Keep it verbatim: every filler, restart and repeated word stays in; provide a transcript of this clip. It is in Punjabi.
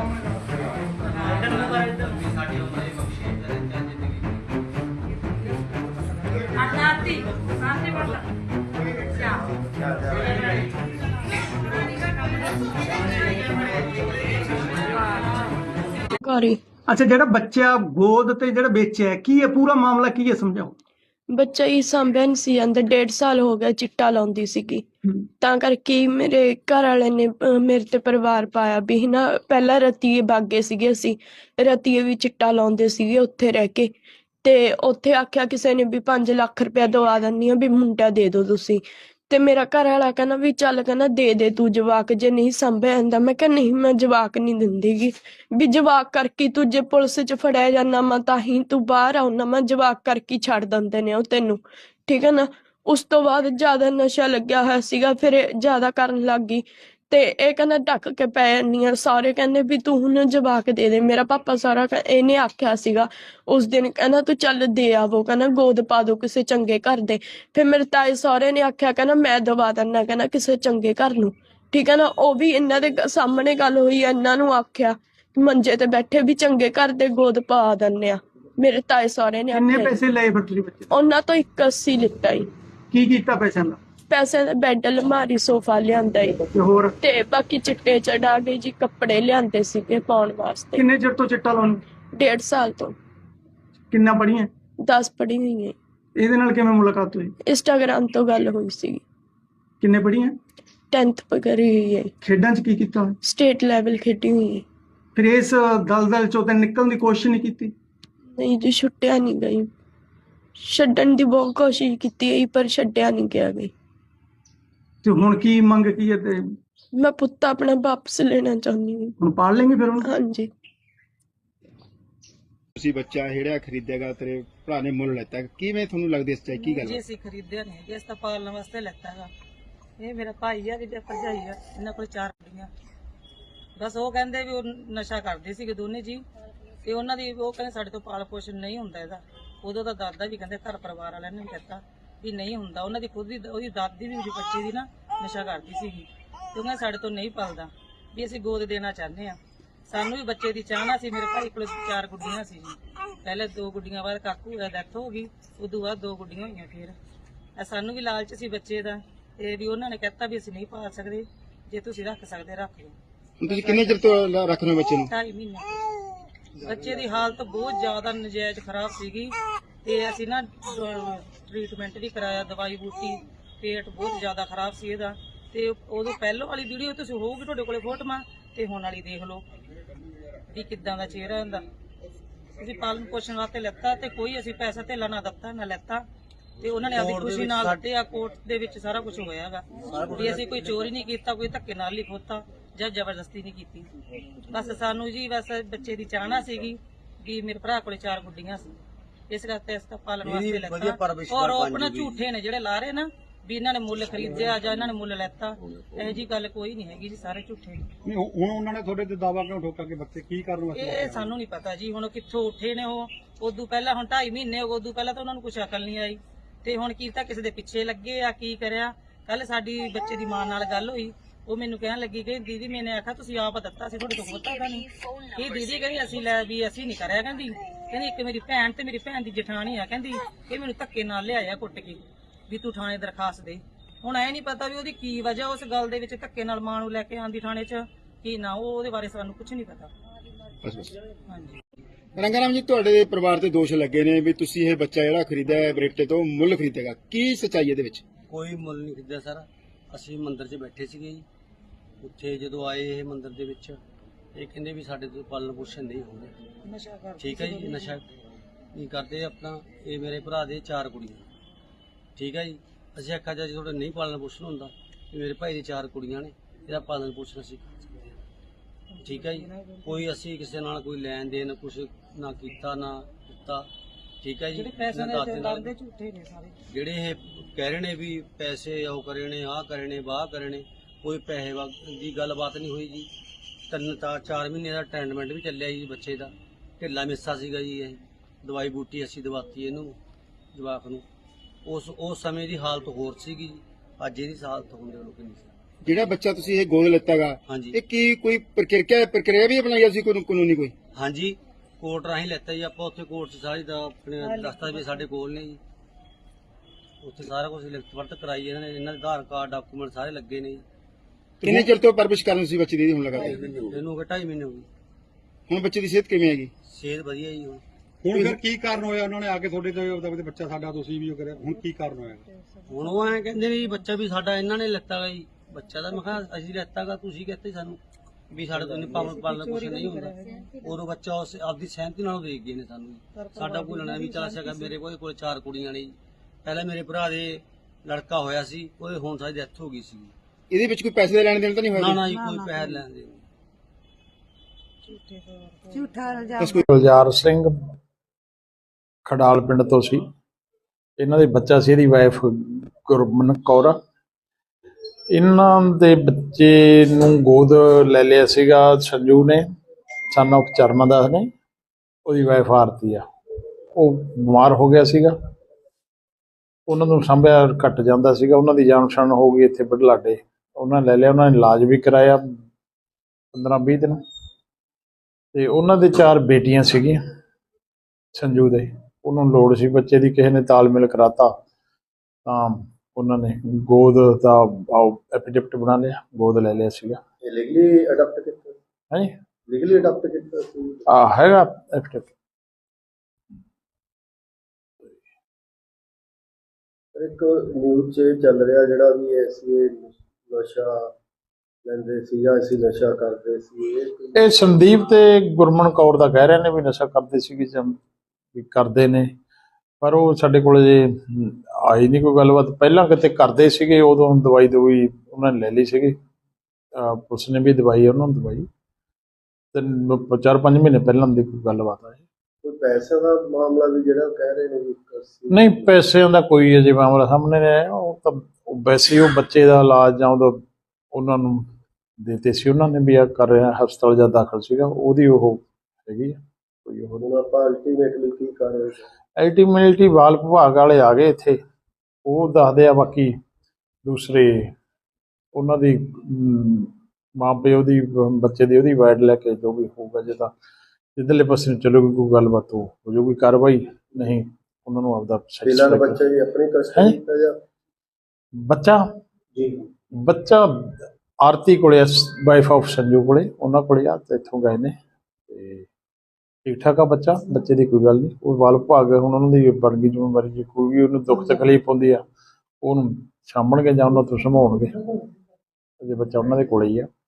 अच्छा, जेड़ा बच्चा गोद ते जेड़ा बेचा है की है पूरा मामला की है समझाओ। ਬੱਚਾ ਹੀ ਸਾਂਭਿਆ ਨਹੀਂ ਸੀ ਜਾਂਦਾ, ਡੇਢ ਸਾਲ ਹੋ ਗਿਆ ਚਿੱਟਾ ਲਾਉਂਦੀ ਸੀਗੀ। ਤਾਂ ਕਰਕੇ ਮੇਰੇ ਘਰ ਵਾਲੇ ਨੇ ਅਹ, ਮੇਰੇ ਤੇ ਪਰਿਵਾਰ ਪਾਇਆ ਵੀ ਨਾ। ਪਹਿਲਾਂ ਰਤੀਏ ਬਾਗੇ ਸੀਗੇ, ਅਸੀਂ ਰਤੀਏ ਵੀ ਚਿੱਟਾ ਲਾਉਂਦੇ ਸੀਗੇ ਉੱਥੇ ਰਹਿ ਕੇ। ਤੇ ਉੱਥੇ ਆਖਿਆ ਕਿਸੇ ਨੇ ਵੀ ਪੰਜ ਲੱਖ ਰੁਪਇਆ ਦਵਾ ਦਿੰਦੀ ਆ ਵੀ ਮੁੰਡਾ ਦੇ ਦਿਓ ਤੁਸੀਂ। ਤੇ ਮੇਰਾ ਘਰ ਵਾਲਾ ਕਹਿੰਦਾ ਵੀ ਚੱਲ, ਕਹਿੰਦਾ ਦੇ ਦੇ ਤੂੰ ਜਵਾਕ, ਜੇ ਨਹੀਂ ਸਾਂਭਿਆ ਜਾਂਦਾ। ਮੈਂ ਕਿਹਾ ਨਹੀਂ, ਮੈਂ ਜਵਾਕ ਨਹੀਂ ਦਿੰਦੀਗੀ ਵੀ ਜਵਾਕ ਕਰਕੇ ਤੂੰ ਜੇ ਪੁਲਿਸ 'ਚ ਫੜਿਆ ਜਾਂਦਾ ਮੈਂ ਤਾਂ ਹੀ ਤੂੰ ਬਾਹਰ ਆਉਣਾ, ਮੈਂ ਜਵਾਕ ਕਰਕੇ ਛੱਡ ਦਿੰਦੇ ਨੇ ਉਹ ਤੈਨੂੰ, ਠੀਕ ਹੈ ਨਾ। ਉਸ ਤੋਂ ਬਾਅਦ ਜ਼ਿਆਦਾ ਨਸ਼ਾ ਲੱਗਿਆ ਹੋਇਆ ਸੀਗਾ, ਫਿਰ ਇਹ ਜ਼ਿਆਦਾ ਕਰਨ ਲੱਗ ਗਈ। ਤੇ ਇਹ ਕਹਿੰਦਾ ਢੱਕ ਕੇ ਪੈ ਜਾਂਦੀ ਆ। ਸਾਰੇ ਕਹਿੰਦੇ ਵੀ ਤੂੰ ਹੁਣ ਜਵਾਕ ਦੇ ਦੇ। ਮੇਰਾ ਪਾਪਾ ਸਾਰਾ ਕਹਿ- ਇਹਨੇ ਆਖਿਆ ਸੀਗਾ ਉਸ ਦਿਨ, ਕਹਿੰਦਾ ਤੂੰ ਚੱਲ ਦੇ ਆਵੋ, ਕਹਿੰਦਾ ਗੋਦ ਪਾ ਦੋ ਕਿਸੇ ਚੰਗੇ ਘਰ ਦੇ। ਫਿਰ ਮੇਰੇ ਤਾਏ ਸਹੁਰੇ ਨੇ ਆਖਿਆ, ਕਹਿੰਦਾ ਮੈਂ ਦਵਾ ਦਿੰਦਾ, ਕਹਿੰਦਾ ਕਿਸੇ ਚੰਗੇ ਘਰ ਨੂੰ, ਠੀਕ ਹੈ ਨਾ। ਉਹ ਵੀ ਇਹਨਾਂ ਦੇ ਗ- ਸਾਹਮਣੇ ਗੱਲ ਹੋਈ, ਇਹਨਾਂ ਨੂੰ ਆਖਿਆ ਮੰਜੇ ਤੇ ਬੈਠੇ ਵੀ ਚੰਗੇ ਘਰ ਦੇ ਗੋਦ ਪਾ ਦਿੰਦੇ ਆ। ਮੇਰੇ ਤਾਏ ਸਹੁਰੇ ਨੇ ਕਿੰਨੇ ਆਖਿਆ। ਪੈਸੇ ਲਏ ਫੱਟਰੀ ਬੱਚੇ ਉਹਨਾਂ ਤੋਂ ਇੱਕ ਅੱਸੀ ਲਿੱਤਾ ਈ। ਕੀ ਕੀਤਾ ਪੈਸਿਆਂ ਦਾ? ਪੈਸੇ ਦਾ ਬੈੱਡ, ਅਲਮਾਰੀ, ਸੋਫਾ ਲਿਆਂਦਾ ਈ। ਤੇ ਹੋਰ ਤੇ ਬਾਕੀ ਚਿੱਟੇ ਚੜਾ ਕੇ ਜੀ ਕੱਪੜੇ ਲਿਆਂਦੇ ਸੀਗੇ ਪਾਉਣ ਵਾਸਤੇ। ਕਿੰਨੇ ਚਿਰ ਤੋਂ ਚਿੱਟਾ ਲਾਉਣ? ਡੇਢ ਸਾਲ ਤੋਂ। ਕਿੰਨਾ ਪੜੀਆਂ? ਦਸ ਪੜ੍ਹੀ ਹੋਈ ਹੈ। ਇਹਦੇ ਨਾਲ ਕਿਵੇਂ ਮੁਲਾਕਾਤ ਹੋਈ? ਇੰਸਟਾਗ੍ਰਾਮ ਤੋਂ ਗੱਲ ਹੋਈ ਸੀ। ਕਿੰਨੇ ਪੜੀਆਂ? ਟੈਂਥ ਕਰੀ ਹੋਈ ਹੈ। ਖੇਡਾਂ 'ਚ ਕੀ ਕੀਤਾ? ਸਟੇਟ ਲੈਵਲ ਖੇਡੀ ਹੋਈ ਹੈ। ਫਿਰ ਇਸ ਦਲਦਲ ਚੋਂ ਤੇ ਨਿਕਲਣ ਦੀ ਕੋਸ਼ਿਸ਼ ਨਹੀਂ ਕੀਤੀ? ਨਹੀਂ ਜੀ, ਛੁੱਟਿਆ ਨਹੀਂ ਗਈ। ਛੱਡਣ ਦੀ ਬਹੁਤ ਕੋਸ਼ਿਸ਼ ਕੀਤੀ ਹੈ ਪਰ ਛੱਡਿਆ ਨਹੀਂ ਗਿਆ ਗਈ। ਤੇ ਹੁਣ ਕੀ ਮੰਗ ਕੀ ਹੈ? ਤੇ ਮੈਂ ਪੁੱਤ ਆਪਣਾ ਵਾਪਸ ਲੈਣਾ ਚਾਹੁੰਦੀ ਹਾਂ। ਹੁਣ ਪਾਲ ਲੈਂਗੇ ਫਿਰ ਉਹਨੂੰ? ਹਾਂਜੀ। ਤੁਸੀਂ ਬੱਚਾ ਜਿਹੜਾ ਖਰੀਦੇਗਾ ਤੇਰੇ ਭਰਾ ਨੇ ਮੁੱਲ ਲੈਤਾ, ਕਿਵੇਂ ਤੁਹਾਨੂੰ ਲੱਗਦੀ ਇਸ ਚਾਹੀ ਕੀ ਗੱਲ ਜੀ ਅਸੀਂ ਖਰੀਦਿਆ ਨਹੀਂ ਜੀ, ਅਸੀਂ ਤਾਂ ਪਾਲਣ ਵਾਸਤੇ ਲੈਤਾ ਹੈਗਾ। ਇਹ ਮੇਰਾ ਭਾਈ ਆ, ਜਿਹਦੇ ਭਰਜਾਈ ਆ, ਇਹਨਾਂ ਕੋਲ ਚਾਰ ਕੁੜੀਆਂ। ਬਸ ਉਹ ਕਹਿੰਦੇ ਵੀ ਉਹ ਨਸ਼ਾ ਕਰਦੇ ਸੀਗੇ ਦੋਨੇ ਜੀ, ਤੇ ਉਹਨਾਂ ਦੀ ਉਹ ਕਹਿੰਦੇ ਸਾਡੇ ਤੋਂ ਪਾਲ ਪੋਸ਼ਣ ਨਹੀਂ ਹੁੰਦਾ ਇਹਦਾ। ਉਦੋਂ ਤਾਂ ਦਾਦਾ ਵੀ ਕਹਿੰਦੇ, ਘਰ ਪਰਿਵਾਰ ਵਾਲਿਆਂ ਨੇ ਵੀ ਕਹਿਤਾ ਵੀ ਨਹੀਂ ਹੁੰਦਾ। ਉਹਨਾਂ ਦੀ ਖੁਦ ਦੀ ਉਹਦੀ ਦਾਦੀ ਵੀ ਉਹਦੀ ਬੱਚੇ ਦੀ ਨਾ ਨਸ਼ਾ ਕਰਦੀ ਸੀਗੀ, ਤੇ ਉਹ ਕਹਿੰਦੇ ਸਾਡੇ ਤੋਂ ਨਹੀਂ ਪਲਦਾ, ਵੀ ਅਸੀਂ ਗੋਦ ਦੇਣਾ ਚਾਹੁੰਦੇ ਆ। ਸਾਨੂੰ ਵੀ ਬੱਚੇ ਦੀ ਚਾਹਨਾ ਸੀ। ਮੇਰੇ ਭਾਈ ਕੋਲ ਚਾਰ ਗੁੱਡੀਆਂ ਸੀ ਜੀ, ਪਹਿਲੇ ਦੋ ਗੁੱਡੀਆਂ ਬਾਅਦ ਕਾਕੂ ਦਾ ਡੈਥ ਹੋ ਗਈ, ਉਦੋਂ ਬਾਅਦ ਦੋ ਗੁੱਡੀਆਂ ਹੋਈਆਂ। ਫਿਰ ਸਾਨੂੰ ਵੀ ਲਾਲਚ ਸੀ ਬੱਚੇ ਦਾ, ਤੇ ਵੀ ਉਹਨਾਂ ਨੇ ਕਹਿਤਾ ਵੀ ਅਸੀਂ ਨਹੀਂ ਪਾਲ ਸਕਦੇ, ਜੇ ਤੁਸੀਂ ਰੱਖ ਸਕਦੇ ਰੱਖ ਲਓ। ਹੁਣ ਤੁਸੀਂ ਕਿੰਨੇ ਚਿਰ ਤੋਂ ਲ- ਰੱਖ ਰਹੇ ਹੋ ਬੱਚੇ ਨੂੰ? ਢਾਈ ਮਹੀਨੇ। ਬੱਚੇ ਦੀ ਹਾਲਤ ਬਹੁਤ ਜ਼ਿਆਦਾ ਨਜਾਇਜ਼ ਖਰਾਬ ਸੀਗੀ, ਤੇ ਅਸੀਂ ਨਾ ਟ੍ਰੀਟਮੈਂਟ ਵੀ ਕਰਾਇਆ, ਦਵਾਈ ਬੂਟੀ, ਪੇਟ ਬਹੁਤ ਜ਼ਿਆਦਾ ਖਰਾਬ ਸੀ ਇਹਦਾ। ਤੇ ਉਦੋਂ ਪਹਿਲੋਂ ਵਾਲੀ ਵੀਡੀਓ ਤੁਸੀਂ ਹੋਊਗੀ ਤੁਹਾਡੇ ਕੋਲੇ ਫੋਟੋਆਂ, ਤੇ ਹੁਣ ਵਾਲੀ ਦੇਖ ਲਓ ਵੀ ਕਿੱਦਾਂ ਦਾ ਚਿਹਰਾ ਹੁੰਦਾ। ਅਸੀਂ ਪਾਲਣ ਪੋਸ਼ਣ ਵਾਸਤੇ ਲੈਤਾ, ਤੇ ਕੋਈ ਅਸੀਂ ਪੈਸਾ ਧੇਲਾ ਨਾ ਦਿੱਤਾ ਨਾ ਲੈਤਾ, ਤੇ ਉਹਨਾਂ ਨੇ ਆਪਣੀ ਖੁਸ਼ੀ ਨਾਲ ਦਿੱਤੇ ਆ। ਕੋਰਟ ਦੇ ਵਿੱਚ ਸਾਰਾ ਕੁਝ ਹੋਇਆਗਾ ਵੀ ਅਸੀਂ ਕੋਈ ਚੋਰੀ ਨਹੀਂ ਕੀਤਾ, ਕੋਈ ਧੱਕੇ ਨਾਲ ਨਹੀਂ ਖੋਤਾ ਜਾਂ ਜ਼ਬਰਦਸਤੀ ਨਹੀਂ ਕੀਤੀ। ਬਸ ਸਾਨੂੰ ਜੀ ਬਸ ਬੱਚੇ ਦੀ ਚਾਹਨਾ ਸੀਗੀ ਵੀ ਮੇਰੇ ਭਰਾ ਕੋਲੇ ਚਾਰ ਗੁੱਡੀਆਂ ਸੀ, ਇਸ ਕਰਕੇ ਅਸੀਂ ਤਾਂ ਪਾਲਣ ਵਾਸਤੇ ਲੈਤਾ। ਔਰ ਉਹ ਆਪਣਾ ਝੂਠੇ ਨੇ ਜਿਹੜੇ ਲਾ ਰਹੇ ਨਾ ਵੀ ਇਹਨਾਂ ਨੇ ਮੁੱਲ ਖਰੀਦਿਆ ਜਾਂ ਇਹਨਾਂ ਨੇ ਮੁੱਲ ਲੈਤਾ, ਇਹੋ ਜੀ ਗੱਲ ਕੋਈ ਨਹੀਂ ਹੈਗੀ ਜੀ, ਸਾਰੇ ਝੂਠੇ ਨੇ। ਹੁਣ ਉਹਨਾਂ ਨੇ ਤੁਹਾਡੇ ਤੇ ਦਾਵਾ ਕਿਉਂ ਠੋਕਾ ਕਿ ਬੱਚੇ ਕੀ ਕਰਨ ਵਾਸਤੇ? ਇਹ ਸਾਨੂੰ ਨਹੀਂ ਪਤਾ ਜੀ, ਹੁਣ ਕਿੱਥੋਂ ਉੱਠੇ ਨੇ ਉਹ। ਉਦੋਂ ਪਹਿਲਾਂ ਹੁਣ ਢਾਈ ਮਹੀਨੇ ਹੋ ਗਏ, ਉਦੋਂ ਪਹਿਲਾਂ ਤਾਂ ਉਹਨਾਂ ਨੂੰ ਕੁਛ ਅਕਲ ਨਹੀਂ ਆਈ, ਤੇ ਹੁਣ ਕੀ ਤਾਂ ਕਿਸੇ ਦੇ ਪਿੱਛੇ ਲੱਗੇ ਆ, ਕੀ ਕਰਿਆ। ਕੱਲ ਸਾਡੀ ਬੱਚੇ ਦੀ ਮਾਂ ਨਾਲ ਗੱਲ ਹੋਈ, ਉਹ ਮੈਨੂੰ ਕਹਿਣ ਲੱਗੀ ਕਿ ਦੀਦੀ ਮੈਨੇ ਆਖਿਆ ਤੁਸੀਂ ਆਪ ਦਿੱਤਾ ਸੀ, ਤੁਹਾਡੇ ਤੋਂ ਖੋਤਾ ਤਾਂ ਨਹੀਂ। ਇਹ ਦੀਦੀ ਕਹਿੰਦੀ ਅਸੀਂ ਲੈ ਵੀ ਅਸੀਂ ਨਹੀਂ ਕਰਿਆ, ਕਹਿੰਦੀ ਕਹਿੰਦੀ ਇੱਕ ਮੇਰੀ ਭੈਣ ਤੇ ਮੇਰੀ ਭੈਣ ਦੀ ਜਠਾਣੀ ਆ, ਕਹਿੰਦੀ ਇਹ ਮੈਨੂੰ ਧੱਕੇ ਨਾਲ ਲਿਆਇਆ ਕੁੱਟ ਕੇ ਵੀ ਤੂੰ ਥਾਣੇ ਦਰਖਾਸਤ ਦੇ। ਹੁਣ ਐ ਨਹੀਂ ਪਤਾ ਵੀ ਉਹਦੀ ਕੀ ਵਜ੍ਹਾ ਉਸ ਗੱਲ ਦੇ ਵਿੱਚ ਧੱਕੇ ਨਾਲ ਮਾਂ ਨੂੰ ਲੈ ਕੇ ਆਂਦੀ ਥਾਣੇ 'ਚ, ਕੀ ਨਾ ਉਹ ਉਹਦੇ ਬਾਰੇ ਸਾਨੂੰ ਕੁਝ ਨਹੀਂ ਪਤਾ। ਬਸ ਬਸ ਹਾਂਜੀ। ਰੰਗਾਰਾਮ ਜੀ, ਤੁਹਾਡੇ ਪਰਿਵਾਰ ਤੇ ਦੋਸ਼ ਲੱਗੇ ਨੇ ਵੀ ਤੁਸੀਂ ਇਹ ਬੱਚਾ ਜਿਹੜਾ ਖਰੀਦਿਆ ਹੈ ਬਰੇਟੇ ਤੋਂ ਮੁੱਲ ਖਰੀਦੇਗਾ, ਕੀ ਸੱਚਾਈ ਇਹਦੇ ਵਿੱਚ? ਕੋਈ ਮੁੱਲ ਨਹੀਂ ਖਰੀਦਿਆ ਸਰ। ਅਸੀਂ ਮੰਦਿਰ 'ਚ ਬੈਠੇ ਸੀਗੇ ਜੀ, ਉੱਥੇ ਜਦੋਂ ਆਏ ਇਹ ਮੰਦਿਰ ਦੇ ਵਿੱਚ, ਇਹ ਕਹਿੰਦੇ ਵੀ ਸਾਡੇ ਤੋਂ ਪਾਲਣ ਪੋਸ਼ਣ ਨਹੀਂ ਹੋ ਰਿਹਾ। ਨਸ਼ਾ ਕਰ ਠੀਕ ਹੈ ਜੀ, ਨਸ਼ਾ ਨਹੀਂ ਕਰਦੇ ਆਪਣਾ। ਇਹ ਮੇਰੇ ਭਰਾ ਦੇ ਚਾਰ ਕੁੜੀਆਂ, ਠੀਕ ਹੈ ਜੀ। ਅਸੀਂ ਆਖਿਆ ਜੇ ਤੁਹਾਡਾ ਨਹੀਂ ਪਾਲਣ ਪੋਸ਼ਣ ਹੁੰਦਾ, ਮੇਰੇ ਭਾਈ ਦੀ ਚਾਰ ਕੁੜੀਆਂ ਨੇ, ਇਹਦਾ ਪਾਲਣ ਪੋਸ਼ਣ ਅਸੀਂ ਕਰ ਸਕਦੇ ਹਾਂ, ਠੀਕ ਹੈ ਜੀ। ਕੋਈ ਅਸੀਂ ਕਿਸੇ ਨਾਲ ਕੋਈ ਲੈਣ ਦੇਣ ਕੁਛ ਨਾ ਕੀਤਾ ਨਾ ਦਿੱਤਾ, ਠੀਕ ਹੈ ਜੀ। ਜਿਹੜੇ ਪੈਸੇ ਦੇ ਲਾਉਂਦੇ ਝੂਠੇ ਨੇ ਸਾਰੇ, ਜਿਹੜੇ ਇਹ ਕਹਿ ਰਹੇ ਨੇ ਵੀ ਪੈਸੇ ਉਹ ਕਰੇ ਨੇ, ਆਹ ਕਰੇ ਨੇ, ਬਾਹ ਕਰੇ ਨੇ, ਕੋਈ ਪੈਸੇ ਦੀ ਗੱਲਬਾਤ ਨਹੀਂ ਹੋਈ ਜੀ। ਤਿੰਨ ਤਾਂ ਚਾਰ ਮਹੀਨੇ ਦਾ ਟ੍ਰੀਟਮੈਂਟ ਵੀ ਚੱਲਿਆ ਜੀ ਬੱਚੇ ਦਾ, ਢਿੱਲਾ ਮਿੱਸਾ ਸੀਗਾ ਜੀ। ਇਹ ਦਵਾਈ ਬੂਟੀ ਅਸੀਂ ਦਵਾਤੀ ਇਹਨੂੰ ਜਵਾਕ ਨੂੰ। ਉਸ ਉਸ ਸਮੇਂ ਦੀ ਹਾਲਤ ਹੋਰ ਸੀਗੀ ਜੀ, ਅੱਜ ਇਹਦੀ ਹਾਲਤ ਹੁੰਦੇ ਲੋਕ ਨਹੀਂ ਸੀ। ਜਿਹੜਾ ਬੱਚਾ ਤੁਸੀਂ ਇਹ ਗੋਦ ਲਿੱਤਾਗਾ ਹਾਂਜੀ ਇਹ ਕੀ ਕੋਈ ਪ੍ਰਕਿਰਿਆ ਪ੍ਰਕਿਰਿਆ ਵੀ ਅਪਣਾਈ ਸੀ ਕੋਈ ਕਾਨੂੰਨੀ ਕੋਈ? ਹਾਂਜੀ ਕੋਰਟ ਰਾਹੀਂ ਲੈਤਾ ਜੀ ਆਪਾਂ ਉੱਥੇ ਕੋਰਟ 'ਚ ਸਾਰੀ ਦਾ ਆਪਣੇ ਦਸਤਾਵੇਜ਼ ਸਾਡੇ ਕੋਲ ਨੇ ਜੀ। ਉੱਥੇ ਸਾਰਾ ਕੁਝ ਲਿਖਤ ਵਰਤ ਕਰਾਈ ਇਹਨਾਂ ਨੇ, ਇਹਨਾਂ ਦੇ ਆਧਾਰ ਕਾਰਡ ਡਾਕੂਮੈਂਟ ਸਾਰੇ ਲੱਗੇ ਨੇ ਜੀ। ਕਿੰਨੇ ਚਿਰ ਤੋਂ ਪਰਵਰਿਸ਼ ਕਰਨ ਸੀ ਬੱਚੇ ਦੀ ਹੁਣ ਲਗਾਤਾਰ? ਇਹਨੂੰ ਹੋ ਗਏ ਢਾਈ ਮਹੀਨੇ ਹੋ ਗਏ। ਹੁਣ ਬੱਚੇ ਦੀ ਸਿਹਤ ਕਿਵੇਂ ਹੈਗੀ? ਸਿਹਤ ਵਧੀਆ ਜੀ ਹੁਣ। ਹੁਣ ਫਿਰ ਕੀ ਕਾਰਨ ਹੋਇਆ ਉਹਨਾਂ ਨੇ ਆ ਕੇ ਤੁਹਾਡੇ ਤੇ ਉਹਦਾ ਵੀ ਬੱਚਾ ਸਾਡਾ ਤੁਸੀਂ ਵੀ ਉਹ ਕਰਿਆ, ਹੁਣ ਕੀ ਕਾਰਨ ਹੋਇਆ? ਹੁਣ ਉਹ ਐਂ ਕਹਿੰਦੇ ਨੇ ਜੀ ਬੱਚਾ ਵੀ ਸਾਡਾ ਇਹਨਾਂ ਨੇ ਲੈਤਾ ਗਾ ਜੀ। ਬੱਚਾ ਤਾਂ ਮੈਂ ਕਿਹਾ ਅਸੀਂ ਲੈਤਾ ਗਾ, ਤੁਸੀਂ ਕਹਿੰਦੇ ਸਾਨੂੰ ਵੀ ਸਾਡੇ ਤੋਂ ਨਹੀਂ ਪਾਲਣ ਪਾਲਣ ਕੁਛ ਨਹੀਂ ਹੁੰਦਾ। ਉਦੋਂ ਬੱਚਾ ਉਸ ਆਪਦੀ ਸਹਿਮਤੀ ਨਾਲ ਦੇ ਗਏ ਨੇ ਸਾਨੂੰ ਜੀ। ਸਾਡਾ ਕੋਈ ਲੈਣਾ ਵੀ ਚੱਲ ਸਕਾ। ਮੇਰੇ ਕੋਲ ਕੋਲ ਚਾਰ ਕੁੜੀਆਂ ਨੇ ਜੀ। ਪਹਿਲਾਂ ਮੇਰੇ ਭਰਾ ਦੇ ਲੜਕਾ ਹੋਇਆ ਸੀ, ਉਹਦੇ ਹੁਣ ਸਾਡੀ ਡੈਥ ਹੋ ਗਈ ਸੀ। ਇਹਦੇ ਵਿੱਚ ਕੋਈ ਪੈਸੇ ਦਾ ਲੈਣ ਦੇਣ ਤਾਂ ਨਹੀਂ ਨਾ ਹੋਇਆ? ਨਾ ਜੀ ਕੋਈ ਪੈਸੇ ਲੈਣ ਦੇ ਨਹੀਂ। ਗੁਲਜ਼ਾਰ ਸਿੰਘ ਖਡਾਲ ਪਿੰਡ ਤੋਂ ਸੀ। ਇਹਨਾਂ ਦੇ ਬੱਚਾ ਸੀ, ਇਹਦੀ ਵਾਈਫ ਗੁਰਮਨ ਕੌਰ। ਇਹਨਾਂ ਦੇ ਬੱਚੇ ਨੂੰ ਗੋਦ ਲੈ ਲਿਆ ਸੀਗਾ ਸੰਜੂ ਨੇ, ਸਨ ਆਫ ਚਰਮਦਾਸ ਨੇ। ਉਹਦੀ ਵਾਈਫ ਆਰਤੀ ਆ, ਉਹ ਬਿਮਾਰ ਹੋ ਗਿਆ ਸੀਗਾ। ਉਹਨਾਂ ਨੂੰ ਸਾਂਭਿਆ ਘੱਟ ਜਾਂਦਾ ਸੀਗਾ। ਉਹਨਾਂ ਦੀ ਜਾਨ ਪਛਾਣ ਹੋ ਗਈ ਇੱਥੇ ਬਢਲਾਡੇ। ਉਹਨਾਂ ਲੈ ਲਿਆ, ਉਹਨਾਂ ਨੇ ਇਲਾਜ ਵੀ ਕਰਾਇਆ ਪੰਦਰਾਂ ਵੀਹ ਦਿਨ। ਤੇ ਉਹਨਾਂ ਦੇ ਚਾਰ ਬੇਟੀਆਂ ਸੀਗੀਆਂ ਸੰਜੂ ਦੇ। ਉਹਨੂੰ ਲੋੜ ਸੀ ਬੱਚੇ ਦੀ, ਕਿਸੇ ਨੇ ਤਾਲਮੇਲ ਕਰਾਤਾ ਤਾਂ ਉਹਨਾਂ ਨੇ ਗੋਦ ਦਾ ਐਫੀਡੇਵਿਟ ਬਣਾ ਲਿਆ, ਗੋਦ ਲੈ ਲਿਆ ਸੀਗਾ। ਲੀਗਲੀ ਅਡਾਪਟ ਕੀਤਾ? ਹਾਂਜੀ ਲੀਗਲੀ ਅਡਾਪਟ ਕੀਤਾ ਸੀ? ਆ ਹੈਗਾ ਐਫੀਡੇਵਿਟ। ਇੱਕ ਨਿਊਜ਼ 'ਚ ਚੱਲ ਰਿਹਾ ਜਿਹੜਾ ਵੀ ਅਸੀਂ ਨਸ਼ਾ ਲੈਂਦੇ ਸੀ ਜਾਂ ਅਸੀਂ ਨਸ਼ਾ ਕਰਦੇ ਸੀ, ਇਹ ਇਹ ਸੰਦੀਪ ਤੇ ਗੁਰਮਨ ਕੌਰ ਦਾ ਕਹਿ ਰਹੇ ਨੇ ਵੀ ਨਸ਼ਾ ਕਰਦੇ ਸੀਗੇ ਜਾਂ ਵੀ ਕਰਦੇ ਨੇ, ਪਰ ਉਹ ਸਾਡੇ ਕੋਲ ਜੇ ਆਈ ਨਹੀਂ ਕੋਈ ਗੱਲਬਾਤ। ਪਹਿਲਾਂ ਕਿਤੇ ਕਰਦੇ ਸੀਗੇ, ਉਦੋਂ ਦਵਾਈ ਦਵਾਈ ਉਹਨਾਂ ਨੇ ਲੈ ਲਈ ਸੀਗੀ। ਪੁਲਿਸ ਨੇ ਵੀ ਦਵਾਈ ਉਹਨਾਂ ਨੂੰ ਦਵਾਈ ਤੇ ਚਾਰ ਪੰਜ ਮਹੀਨੇ ਪਹਿਲਾਂ ਦੀ ਕੋਈ ਗੱਲਬਾਤ ਆਈ। ਕੋਈ ਪੈਸੇ ਦਾ ਮਾਮਲਾ ਵੀ ਜਿਹੜਾ ਕਹਿ ਰਹੇ ਨੇ ਵੀ ਸੀ? ਨਹੀਂ, ਪੈਸਿਆਂ ਦਾ ਕੋਈ ਅਜੇ ਮਾਮਲਾ ਸਾਹਮਣੇ ਨਹੀਂ ਆਇਆ। ਉਹ ਤਾਂ ਉਹ ਵੈਸੇ ਉਹ ਬੱਚੇ ਦਾ ਇਲਾਜ ਜਾਂ ਉਹਦਾ ਉਹਨਾਂ ਨੂੰ ਦਿੱਤੇ ਸੀ, ਉਹਨਾਂ ਨੇ ਵੀ ਆ ਕਰ ਰਿਹਾ ਹਸਪਤਾਲ ਜਾਂ ਦਾਖਲ ਸੀਗਾ, ਉਹਦੀ ਉਹ ਹੈਗੀ ਆ ਕੋਈ ਉਹ। ਹੁਣ ਆਪਾਂ ਅਲਟੀਮੇਟਲੀ ਕੀ ਕਰ ਰਹੇ ਹਾਂ? ਅਲਟੀਮੇਟਲੀ ਬਾਲ ਵਿਭਾਗ ਵਾਲੇ ਆ ਗਏ ਇੱਥੇ, ਉਹ ਦੱਸਦੇ ਆ। ਬਾਕੀ ਦੂਸਰੇ ਉਹਨਾਂ ਦੀ ਮਾਂ ਪਿਓ ਦੀ ਬੱਚੇ ਦੀ ਉਹਦੀ ਵਾਈਡ ਲੈ ਕੇ ਜੋ ਵੀ ਹੋਊਗਾ, ਜੇ ਤਾਂ ਜਿੱਧਰਲੇ ਪਾਸੇ ਨੂੰ ਚਲੋਗੀ ਕੋਈ ਗੱਲਬਾਤ ਉਹ ਹੋ ਜਾਊਗੀ ਕਾਰਵਾਈ, ਨਹੀਂ ਉਹਨਾਂ ਨੂੰ ਆਪਦਾ ਫਿਲਹਾਲ ਬੱਚਾ ਜੀ ਆਪਣੀ ਕਸਟਡੀ ਦਾ ਜਾਂ ਬੱਚਾ ਜੀ ਬੱਚਾ ਆਰਤੀ ਕੋਲੇ, ਵਾਈਫ ਆਫ ਸੰਜੂ ਕੋਲੇ, ਉਹਨਾਂ ਕੋਲੇ ਆ ਤੇ ਇੱਥੋਂ ਗਏ ਨੇ ਤੇ ਠੀਕ ਠਾਕ ਆ ਬੱਚਾ। ਬੱਚੇ ਦੀ ਕੋਈ ਗੱਲ ਨਹੀਂ। ਉਹ ਬਾਲ ਵਿਭਾਗ ਹੁਣ ਉਹਨਾਂ ਦੀ ਬਣ ਗਈ ਜ਼ਿੰਮੇਵਾਰੀ, ਜੇ ਕੋਈ ਵੀ ਉਹਨੂੰ ਦੁੱਖ ਤਕਲੀਫ ਹੁੰਦੀ ਆ ਉਹਨੂੰ ਸਾਂਭਣਗੇ ਜਾਂ ਉਹਨਾਂ ਤੋਂ ਸੰਭਾਉਣਗੇ। ਅਜੇ ਬੱਚਾ ਉਹਨਾਂ ਦੇ ਕੋਲੇ ਹੀ ਆ।